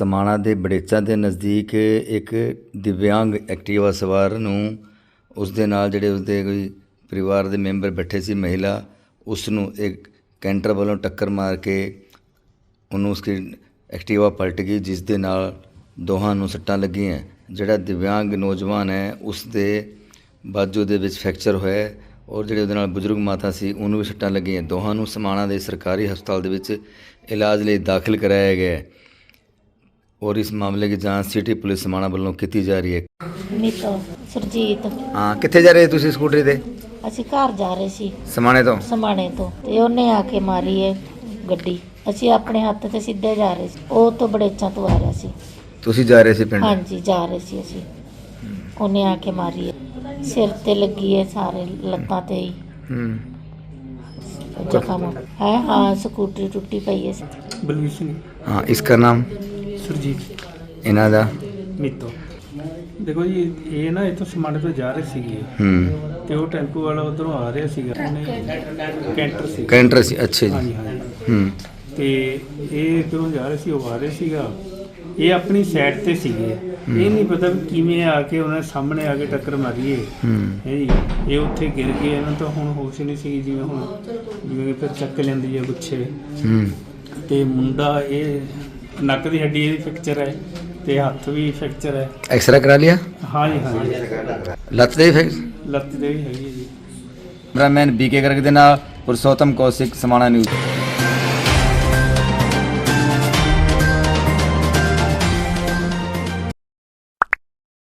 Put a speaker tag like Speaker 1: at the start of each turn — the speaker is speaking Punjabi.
Speaker 1: समाणा ਦੇ ਬੜੇਚਾਂ ਦੇ ਨਜ਼ਦੀਕ ਇੱਕ ਦਿਵਿਆਂਗ ਐਕਟਿਵਾ ਸਵਾਰ ਨੂੰ ਉਸ ਦੇ ਨਾਲ ਜਿਹੜੇ ਉਸਦੇ ਕੋਈ ਪਰਿਵਾਰ ਦੇ ਮੈਂਬਰ ਬੈਠੇ ਸੀ ਮਹਿਲਾ ਉਸ ਨੂੰ ਇੱਕ ਕੈਂਟਰ ਵੱਲੋਂ ਟੱਕਰ ਮਾਰ ਕੇ ਉਹਨੂੰ ਉਸकी ਐਕਟਿਵਾ ਪਲਟ ਗਈ ਜਿਸ ਦੇ ਨਾਲ ਦੋਹਾਂ ਨੂੰ ਸੱਟਾਂ ਲੱਗੀਆਂ। ਜਿਹੜਾ ਦਿਵਿਆਂਗ ਨੌਜਵਾਨ ਹੈ ਉਸ ਦੇ ਬਾਜੂ ਦੇ ਵਿੱਚ ਫ੍ਰੈਕਚਰ ਹੋਇਆ ਔਰ ਜਿਹੜੇ ਉਹਦੇ ਨਾਲ ਬਜ਼ੁਰਗ ਮਾਤਾ ਸੀ ਉਹਨੂੰ ਵੀ ਸੱਟਾਂ ਲੱਗੀਆਂ। ਦੋਹਾਂ ਨੂੰ ਸਮਾਣਾ ਦੇ ਸਰਕਾਰੀ ਹਸਪਤਾਲ ਦੇ ਵਿੱਚ ਇਲਾਜ ਲਈ ਦਾਖਲ कराया गया है और इस मामले की जांच सिटी पुलिस समाणा ਵੱਲੋਂ ਕੀਤੀ ਜਾ ਰਹੀ ਹੈ।
Speaker 2: ਨੀਤੋ ਸਰਜੀਤ
Speaker 1: ਹਾਂ, ਕਿੱਥੇ ਜਾ ਰਹੇ ਤੁਸੀਂ ਸਕੂਟਰੀ ਤੇ?
Speaker 2: ਅਸੀਂ ਘਰ ਜਾ ਰਹੇ ਸੀ
Speaker 1: ਸਮਾਣੇ ਤੋਂ।
Speaker 2: ਸਮਾਣੇ ਤੋਂ ਤੇ ਉਹਨੇ ਆ ਕੇ ਮਾਰੀ ਹੈ ਗੱਡੀ। ਅਸੀਂ ਆਪਣੇ ਹੱਥ ਤੇ ਸਿੱਧੇ ਜਾ ਰਹੇ ਸੀ, ਉਹ ਤੋਂ ਬੜੇਚਾਂ ਤੋਂ ਆ ਰਿਹਾ ਸੀ।
Speaker 1: ਤੁਸੀਂ ਜਾ ਰਹੇ ਸੀ ਪਿੰਡ?
Speaker 2: ਹਾਂਜੀ ਜਾ ਰਹੇ ਸੀ ਅਸੀਂ। ਉਹਨੇ ਆ ਕੇ ਮਾਰੀ ਹੈ, ਸਿਰ ਤੇ ਲੱਗੀ ਹੈ, ਸਾਰੇ ਲੱਤਾਂ ਤੇ ਹੀ ਜ਼ਖਮ ਹੈ। ਹਾਂ ਸਕੂਟਰੀ ਟੁੱਟੀ ਪਈ ਹੈ।
Speaker 3: ਬਲਵੀਰ ਸਿੰਘ।
Speaker 1: हाँ, इसका नाम?
Speaker 3: ਸੁਰਜੀਤ।
Speaker 1: ਇਹਨਾਂ ਦਾ?
Speaker 3: ਮੀਤੋ। ਦੇਖੋ ਜੀ ਇਹ ਨਾ ਇੱਥੋਂ ਸਮਾਣੇ ਤੋਂ ਜਾ ਰਹੇ ਸੀਗੇ ਤੇ ਉਹ ਟੈਂਪੂ ਵਾਲਾ ਉਧਰੋਂ ਆ ਰਿਹਾ ਸੀਗਾ, ਉਹਨੇ ਕੈਂਟਰ ਸੀ।
Speaker 1: ਕੈਂਟਰ ਸੀ, ਅੱਛਾ ਜੀ।
Speaker 3: ਹਾਂਜੀ ਹਾਂਜੀ। ਤੇ ਇਹ ਇੱਧਰੋਂ ਜਾ ਰਹੇ ਸੀ, ਉਹ ਆ ਰਹੇ ਸੀਗਾ, ਇਹ ਆਪਣੀ ਸਾਈਡ ਤੇ ਸੀਗੇ। ਇਹ ਨਹੀਂ ਪਤਾ ਵੀ ਕਿਵੇਂ ਆ ਕੇ ਉਹਨਾਂ ਸਾਹਮਣੇ ਆ ਕੇ ਟੱਕਰ ਮਾਰੀ ਹੈ ਜੀ। ਇਹ ਉੱਥੇ ਗਿਰ ਗਏ, ਇਹਨਾਂ ਤੋਂ ਹੁਣ ਹੋਸ਼ ਨਹੀਂ ਸੀ, ਜਿਵੇਂ ਫਿਰ ਚੱਕ ਲੈਂਦੀ ਹੈ ਗੁੱਛੇ। ਤੇ ਮੁੰਡਾ ਇਹ ਨੱਕ ਦੀ ਹੱਡੀ ਇਹਦੀ ਫ੍ਰੈਕਚਰ ਹੈ ਤੇ ਹੱਥ ਵੀ ਫ੍ਰੈਕਚਰ ਹੈ।
Speaker 1: ਐਕਸਰਾ ਕਰਾ ਲਿਆ?
Speaker 3: ਹਾਂਜੀ ਹਾਂਜੀ।
Speaker 1: ਲੱਤ ਦੇ ਫਿਰ?
Speaker 3: ਲੱਤ ਦੇ ਵੀ ਹੈਗੀ ਹੈ ਜੀ।
Speaker 1: ਕੈਮਰਾਮੈਨ BK ਗਰਗ ਦੇ ਨਾਲ ਪੁਰਸ਼ੋਤਮ ਕੌਸ਼ਿਕ, ਸਮਾਣਾ ਨਿਊਜ਼।